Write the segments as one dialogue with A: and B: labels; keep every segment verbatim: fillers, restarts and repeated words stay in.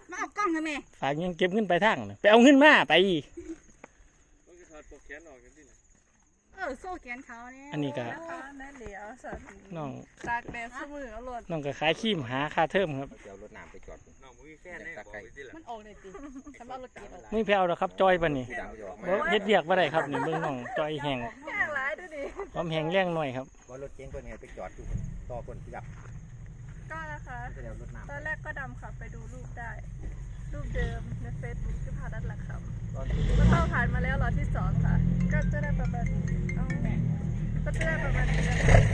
A: มาเอากล้องทำไม
B: ฝากยังเก็บเงินไปทางไปเอาเงินมาไป
A: เออโซ่แขนเขาเนี่ย
B: อันนี้ก็
C: นั่นเหลียวสัตว์
B: น้อง
C: ตากแดดสมือเอารถ
B: น้องก็ขายขี้มหาค่าเทอมครับ
D: เดี๋ยวรถน้ำไปจอดน้องมีแฟนได้บอกไปดิล่ะ
A: มันออกเลยจีทำเอารถเกียร์
B: ไม่แพ้วหรอกครับจอยปะนี่เฮ็ดเรียกว่าไรครับนี่เบิ่งน้องจอยแห้ง
C: แห้งหลายดูดิ
B: ความแห้งแรงหน่อยครับ
D: ว่ารถเก๋งตัวนี้ไปจอดอยู่ต่อคนยับ
C: ก็นะคะตอนแรกก็ดำขับไปดูรูปได้รูปเดิมในเฟซบุ๊กที่พาดัดหลักคำก็เข้าผ่านมาแล้วรอที่สองค่ะก็จะได้ประมาณนี้ก็จะได้ประมาณนี้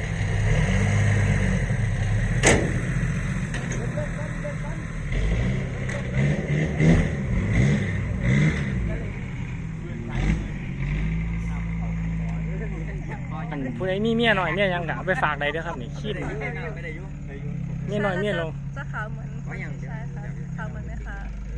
B: อันผู้ใดมีเมียหน่อยเมียยังกะไปฝากใดเด้อครับนี่ขี้มเมียหน่อยเมียลง
C: จะขาวเหมือนใช่ค่ะขาวเหมือนไหมคะ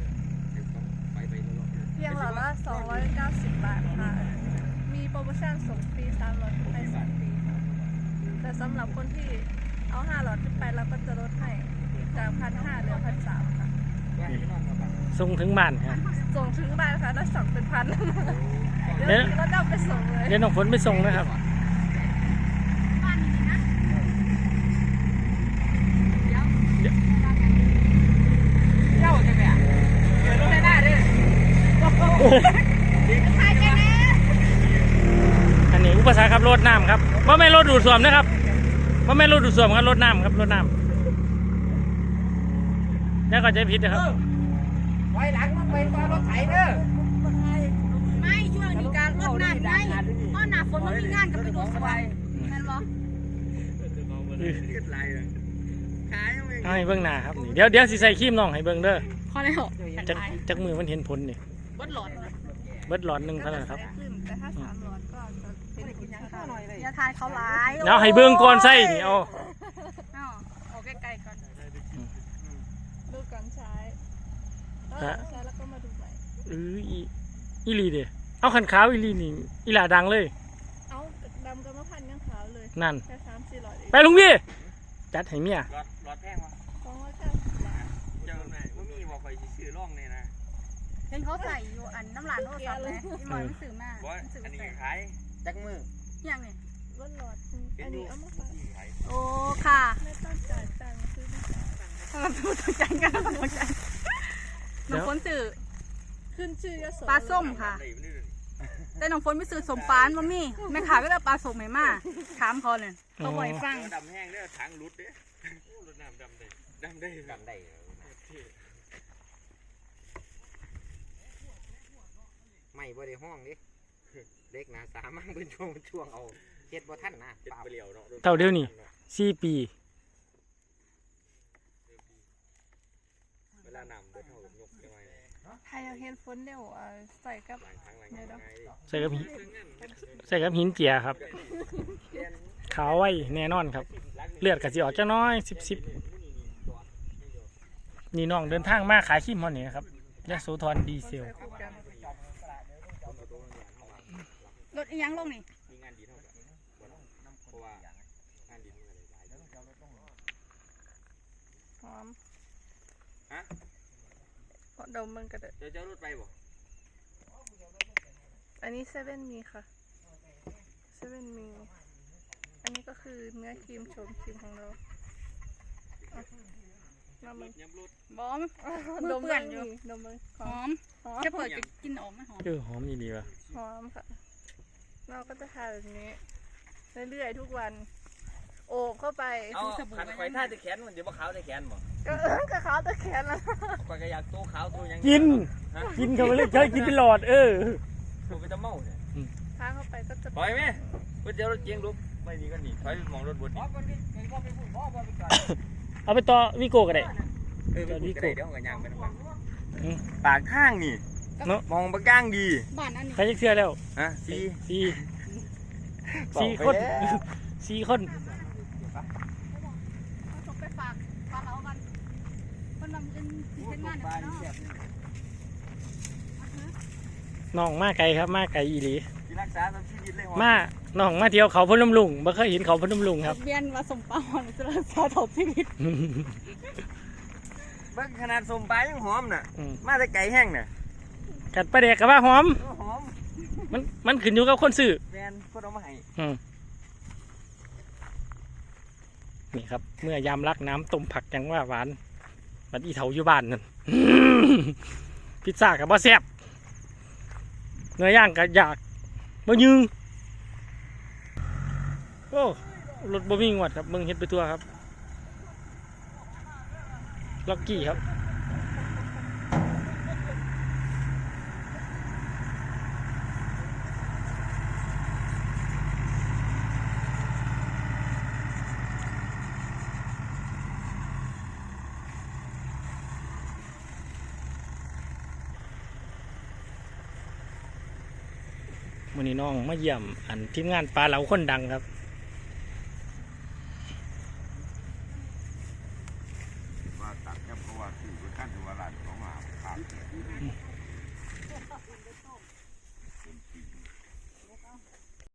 C: เพียงหลอดละสองร้อยเก้าสิบบาทค่ะมีโปรโมชั่นส่งฟรีสามหลอดขึ้นไปสองปีแต่สำหรับคนที่เอาห้าหลอดขึ้นไปเราก็จะลดให้จากพันห้าเหลือพันสามค่ะ
B: ส่งถึงบ้านครับ
C: ส่งถึงบ้านค่ะแล้วสั่งเป็นพันเดี๋ยวเราเอาไปส่งเลย
B: เดี๋ยวน้องฝนไปส่งนะครับอันนี้อุปสรรคครับรถน้ำครับว่าไม่รถดูดซ่วมนะครับว่าไม่รถดูดซ่วมครับรถน้ำครับรถน้ำนี่ก็ใจผิดนะครับ
D: ไว้หลังมันไปมารถไถเด้อ
A: ไม่ช่วงนี้การรถน้ำไงเพราะหนาฝนมันมีงานกับไปดูสบายนั่นหรอ
B: เอาให้เบิ้งหน้าครับเดี๋ยวเดี๋ยวสิใส่ครีมน้องให้เบิ้งเด้อ
A: พอแล้ว
B: จักจักมือมันเห็นผลนี่
A: เบิดหลอด
B: เบิดหลอดหนึ่งเท่านั้นครับ
C: แต่ถ้าสามหลอดก็จะเป็นกินยาข้าวหน่อยเลย
A: ยาทานเขาหลาย
B: เอาให้เบิ้งก่อนใส่นี่เอา
A: เอาใกล้ๆก่อน
C: ดูก่อนใช้ใช้แล้วก็มาดูใหม่
B: เอออีลีเด้เอาขันขาวอีลีนี่อีหลาดังเลย
C: เอาดำกับมะพันยังขาวเลย
B: นั่น
C: แค่สามสี่หลอด
B: ไปลุงพี่จัดให้เมีย
D: หลอดหลอดแพงวะ
C: สองร้อยเก้าสิบบาท
D: เจ้าไหนว่ามีบอกไปซื้อร่องเนี่ยนะ
A: เห็นเขาใส่อยู่อันน้ำหลานโทรศัพท์เลยที่หน่อยมันสื่อมาก
D: อันนี้ขายจักมือ
A: ยังไง
C: ว่าหลอดอันนี้เอามาขาย
A: โอ้ค่ะ
C: ไม่ต้องจ่ายตังค์ซื้อไม่ได้
A: เราต้องจ่ายกันเราต้องจ่ายน้องฝนสื่อ
C: ขึ้นชื่อ
A: ปลาส้มค่ะแต่น้องฝนไม่ซื้อสมปานมามี่แม่ขายก็ได้ปลาส้มไหมมาถามเขาเลยเขาบ่อยฟัง
D: ดำแห้งเด้อถังรุดเด้อรถน้ำดำได้ดำได้ดำได้ไม่บ่ได้ห้องดิเด็กนะสามังเป็นช่วงช่วงเอาเฮ็ดบ่ทันนะเปล่าเนาะ
B: เท่าเดียวนี่สี่ปี
D: เวลาน้ำเบิดเท่ากับยกยังไง
C: ไทยเฮ็ดฝนเดี๋ยวใส่กับ
B: ใส่กับหินใส่กับหินเจียครับขาวไว้แน่นอนครับเลือดกระสีออกจะน้อยสิบสิบนี่น้องเดินทางมาขายขี้มอนี่ครับยะโสธรดีเซล
A: รถอีหยังลงนี่
D: มีงานดีเท่ากันเพราะว่างานดีมืออะไรหลาย
C: หอม
D: ฮะ
C: พอดมมันก็ได้
D: เจ้าเจ้ารถไปบ่
C: อันนี้เซเว่นมีค่ะเซเว่นมีอันนี้ก็คือเนื้อครีมโฉมครีมของเรา
D: น้ำมัน
A: บอม
C: ดมเปื่อนอยู่ดมมัน
A: หอมแค่เปิดกินออกไหมหอม
B: เออหอมดีๆว่ะ
C: หอมค่ะเราก็จะทานแบบนี้เรื่อยๆทุกวันโอบเข้าไป
D: เอาขันไฟท่าตะแขนมันเดี๋ยวว่าขาวตะแขนบ่
C: ก็เออก็ขาวตะแขนแล้ว
D: ก็อยากโตขาวโตยัง
B: กินกินเขาไปเลยเคยกินเป็นหลอดเออ
D: กูไปตะเมาเนี่ย
C: ทางเข้าไปก็จะ
D: ปล่อยไหมกูเจอรถเก๋งลุกไม่ดีก็หนีถอยไปมองรถบนนี่
B: เอาไปต่อวิโก้ก็ได้
D: เออวิโก้เดี๋ยวกับยางไปทั้งวันปากข้างนี่เนาะมองปากก้างดี
A: บ้านนั้นนี่
B: ใครจะเชื่อแล้ว
D: ฮะสี่
B: สี่สี่คนสี่คน
A: ไปฝากฝากเอากันคนนำเป็นเป็นงานเนาะ
B: น้องมาไกลครับมาไกลอีหลี
D: รักษาตามชีวิตเลย
B: มาน้องมาเที่ยวเขาพนมลุงบ่เคยเห็นเขาพนมลุงครับ
A: เบียนมาสมปองจะรักษาถบชีวิต
E: เบิ่งขนาดสมปลายังหอมน่ะ
B: อืม
E: มาแต่ไก่แห้งน่ะ
B: กัดปลาแดกกับว่าหอม
E: โอ้หอม
B: มันมันขึ้นอยู่กับคนซื้อ
E: แฟนคนเอามาให้
B: อืมนี่ครับ เมื่อยามรักน้ำต้มผักยังว่าหวานมันอีเถาอยู่บ้านนั่น พิซซ่ากับบ่แซ่บเนื้อย่างกับอยากบ่ยึงโอ้รถบ่มีงวดครับมึงเฮ็ดไปตัวครับล็อกกี้ครับมื้อนี้น้องมาเยี่ยมอันทีมงานปลาเหลาคนดังครับ